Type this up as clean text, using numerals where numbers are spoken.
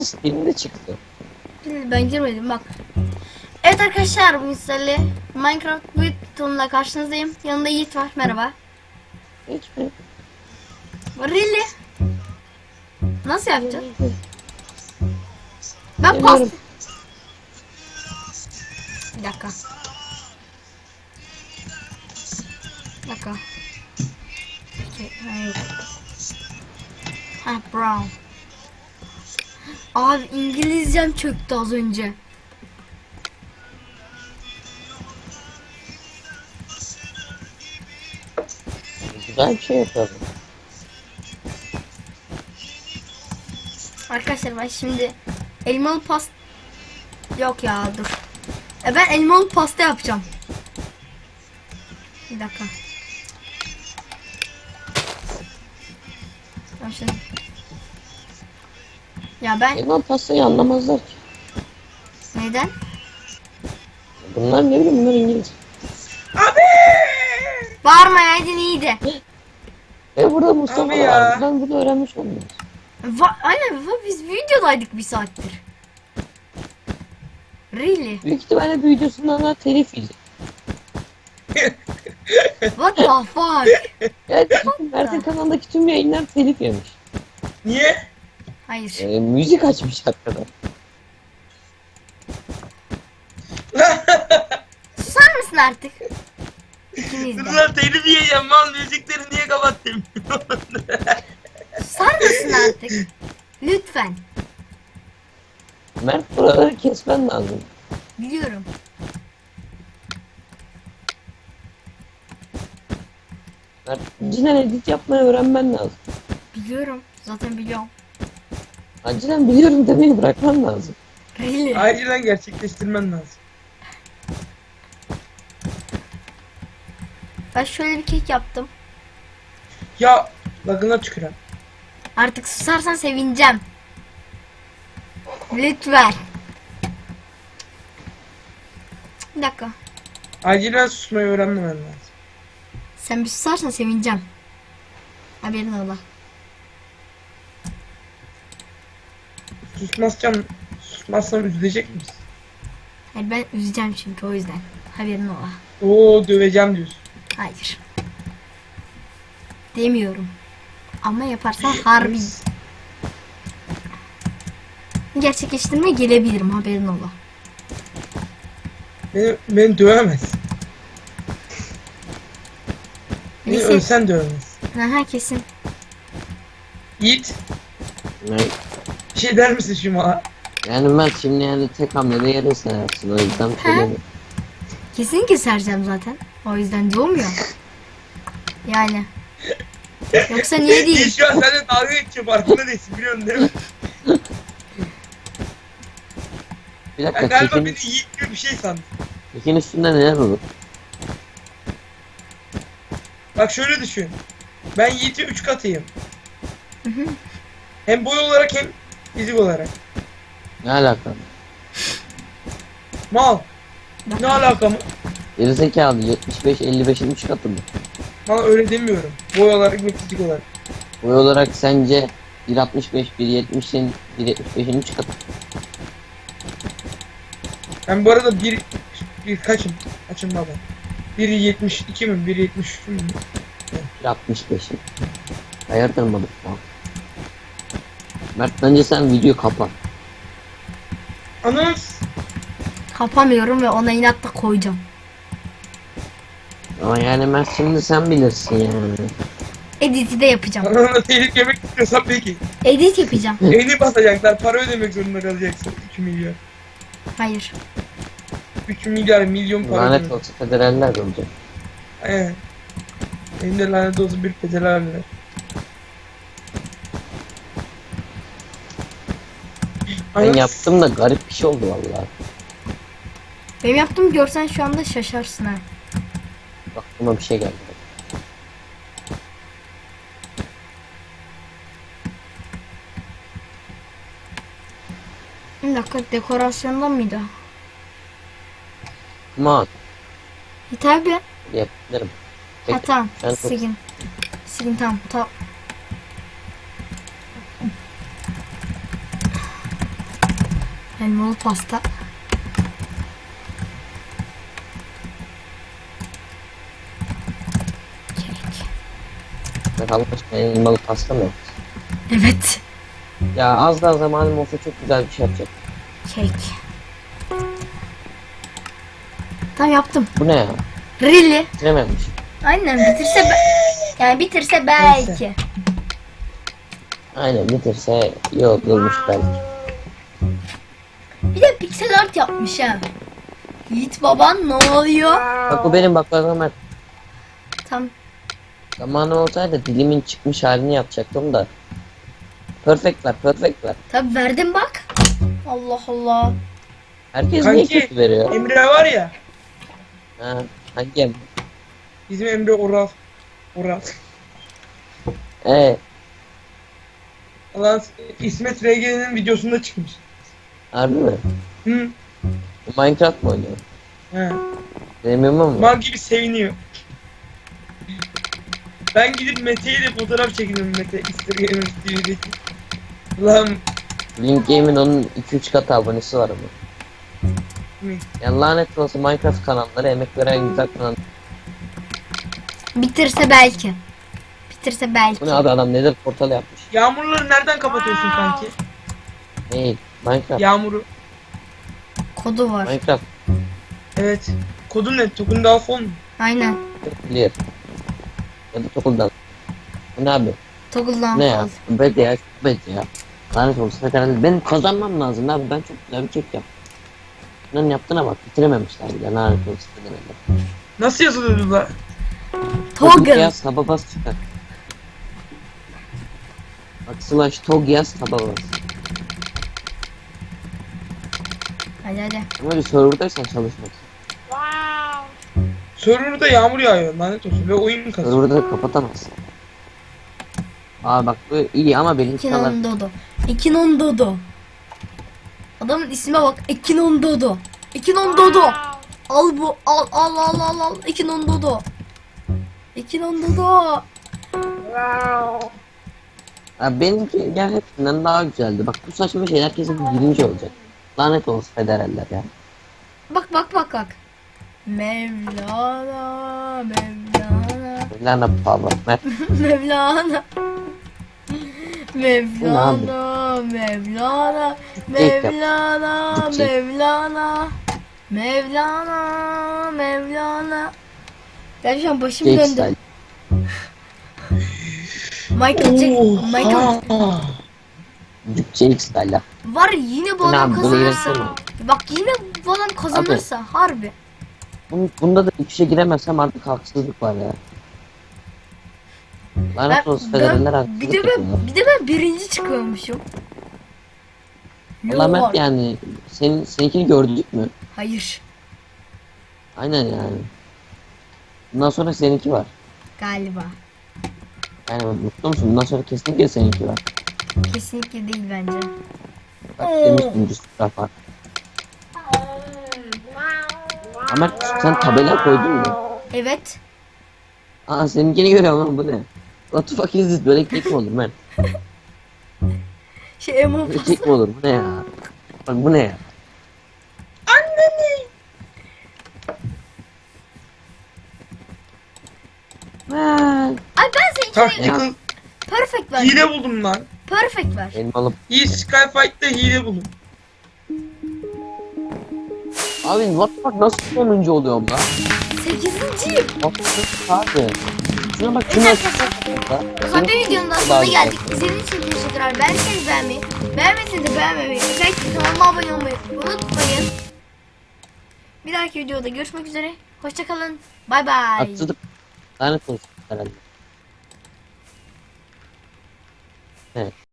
Steam'de çıktı. Ben girmedim bak. Evet arkadaşlar, bugün sizlerle Minecraft Buton'la karşınızdayım. Yanında Yiğit var. Merhaba. Hiç mi? Really? Nasıl yapacağız? Ben pas... Bilmiyorum. Bir dakika. Bir dakika. Ha, yok. Ha, brown. Abi İngilizcem çöktü az önce. Güzel bir şey yapalım. Arkadaşlar ben şimdi elmalı pasta... Yok ya, dur. Ben elmalı pasta yapacağım. Bir dakika. Ben şimdi... Ya ben... Elma pastayı anlamazlar ki. Neden? Bunlar ne bileyim, bunlar İngiliz. Bağırmayaydın iyiydi. Burada Mustafa Abi ya. var. Ben bunu öğrenmiş olmuyoruz. Aynen, biz videodaydık bir saattir. Really? Büyük ihtimalle bir videosundan da telif yiyecek. What the fuck? Yani Mert'in kanalındaki tüm yayınlar telif yemiş. Niye? Hayır. Müzik açmış hakikaten. Susar mısın artık? İkiniz de. Kızlar telif yiyeceğim, mal müzikleri niye kapattım? Susar mısın artık? Lütfen. Mert, buraları kesmen lazım. Biliyorum. Mert, acilen edit yapmayı öğrenmen lazım. Biliyorum. Zaten biliyorum. Acilen biliyorum demeyi bırakman lazım. Really? Acilen gerçekleştirmen lazım. Ben şöyle bir kek yaptım. Ya lagına tüküren. Artık susarsan sevineceğim. Lütfen. Bir dakika. Acilen susmayı öğrenmemen lazım. Sen bir susarsan sevineceğim. Haberin ola. Susmazsam üzülecek misin? Hayır, ben üzeceğim çünkü, o yüzden. Haberin ola. Oo, döveceğim diyorsun. Hayır. Demiyorum. Ama yaparsan harbi gerçekleştirmeye gelebilirim, haberin ola. Beni dövemez. Beni Neyse. ölsen dövemez. Aha, kesin. Yiğit, Mert, bir şey der misin şu mala? yani Mert şimdi yani tek hamlede yere seversin, o yüzden söylemiyorum. Kesinlikle sereceğim zaten. O yüzden doğmuyor. Yani. Yoksa niye değil? Yiğit şu an seninle dalga geçiyor, farkında değilsin, biliyorsun değil mi? Bir Ben dakika, galiba kekin, beni Yiğit gibi bir şey sandım. kekin üstünde neler olur? Bak şöyle düşün. Ben Yiğit'e 3 katıyım. Hı hı. Hem boy olarak hem fizik olarak. Ne alaka? Mal. Ne alaka mı? Gerizekalı, 75-55'in 3 katı mı? Bana öyle demiyorum. Boy olarak ve fizik olarak. Boy olarak sence 1.65, 1.70'in 1.75'in 3 katı. Ben bu arada bir kaçım? Kaçım baba? 1.72 mi? 1.73 mi? 1.65'in. Hayırdır mı bu? Mert, bence sen video kapa. Anons. Kapamıyorum ve ona inatla koyacağım. Ama yani Mert, şimdi sen bilirsin yani. Edit'i de yapacağım. Anonla telif yemek istiyorsan peki. Edit yapacağım. Beni basacaklar. Para ödemek zorunda kalacaksın. 2 milyar. Hayır. 3 milyar milyon para Lanet ödemek. olsa federaller olacak. Aynen. Benim de lanet olsun bir federaller. Ben yaptım da garip bir şey oldu vallahi. Benim yaptığımı görsen şu anda şaşarsın ha. Aklıma bir şey geldi. Bir dakika, dekorasyondan mıydı? Come on. Tabi. Yaptırım. Ha tamam. Ben çok- Silin. Silin, tamam. Elmalı pasta. Kek. Bak Allah aşkına elmalı pasta mı? Evet. Ya az daha zamanım olsa çok güzel bir şey yapacak. Kek. Tamam yaptım. Bu ne ya? Really? Bitirememiş. Aynen bitirse yani bitirse belki. Aynen bitirse iyi olurmuş belki. Bir de pixel art yapmış ha. Yiğit baban ne oluyor? Bak bu benim bak Ömer. Tam Zamanım olsaydı dilimin çıkmış halini yapacaktım da. Perfect ver, perfect ver. tabi verdim bak. Allah Allah. Herkes niye Kanki kötü veriyor? Emre var ya. Ha, hangi em? Bizim Emre Oral. Oral. Ee, Ulan İsmet RG'nin videosunda çıkmış. harbi mi? Hı. Minecraft mı oynuyor? He. Demiyorum mu? Mal gibi seviniyor. Ben gidip Mete'yle de fotoğraf çektim Mete. Instagram TV'deki. Ulan Link Game'in onun 2-3 katı abonesi var ama. mi? Ya lanet olası Minecraft kanalları emek veren güzel kanal. Bitirse belki. Bitirse belki. Bu ne abi adam nedir portal yapmış. Yağmurları nereden kapatıyorsun kanki? Hey Minecraft. Yağmuru. Kodu var. Minecraft Evet. Kodun ne? Tokun daha fon mu? Aynen. clear. Ya da Tokul'dan. Bu ne abi? Toggle'dan Ne ya? kod. Bet ya, bet ya. Lanet olsun herhalde. Ben kazanmam lazım abi. Ben çok güzel bir kek yaptım. Bunların yaptığına bak. Bitirememişler bile. Lanet olsun herhalde. Nasıl yazılıyordu la? Toggle. Yaz taba bas çıkar. Bak slash tog yaz taba bas. Hadi hadi. Ama bir serverdaysan çalışmaz. Server'da yağmur yağıyor lanet olsun ve oyun kasıyor. Serverda da kapatamazsın. Aa bak bu iyi ama benimki kadar. Ekinon Dodo. Ekinon Dodo. Adamın isme bak. Ekinon Dodo. Ekinon Dodo. Al bu. Al al al al al. Ekinon Dodo. Ekinon Dodo. Abi benimki gel hepsinden daha güzeldi. Bak bu saçma şey herkesin birinci olacak. Lanet olsun federaller ya. Bak bak bak bak. Mevlana. Mevlana. Lana Pava. Mert Mevlana. Mevlana, Mevlana, Mevlana, Mevlana, Mevlana, Mevlana. Ya şu an başım Jake döndü. Style. Michael Jake Style. var yine bu Ne adam abi, bunu kazanırsa. yönetsene. Bak yine bu adam kazanırsa harbi. Bunda da bir şey giremezsem artık haksızlık var ya. Lanet olsun federaller haksızlık bir de yapıyorlar. ben birinci çıkıyormuşum. Allah Mert Yok. yani seninkini gördük mü? Hayır Aynen yani. Bundan sonra seninki var. galiba. Yani mutlu musun? Bundan sonra kesinlikle seninki var. Kesinlikle değil bence. Bak demiştim Rüstem var. Ama sen tabela koydun mu? Evet. Aa seninkini görüyorum ama bu ne? What the fuck is this? Böyle kek mi olur Mert? Emo Böyle kek mi olur? Bu ne ya? Bak bu ne ya? Mert. Ay ben seninkini Tactical perfect ver. hile buldum lan. Perfect ver. Elmalı. İyi Skyfight'ta hile buldum. Abi what the fuck nasıl sonuncu oluyorum lan? 8.'yim. What the fuck abi? Şuna bak şuna. Zaten videonun da sonuna geldik. İzlediğiniz için teşekkürler. Beğendiyseniz beğenmeyi, beğenmediyseniz de beğenmemeyi, özellikle kanalıma abone olmayı unutmayın. Bir dahaki videoda görüşmek üzere. Hoşçakalın. Bay bay. Haksızlık. Lanet olsun herhalde. Evet.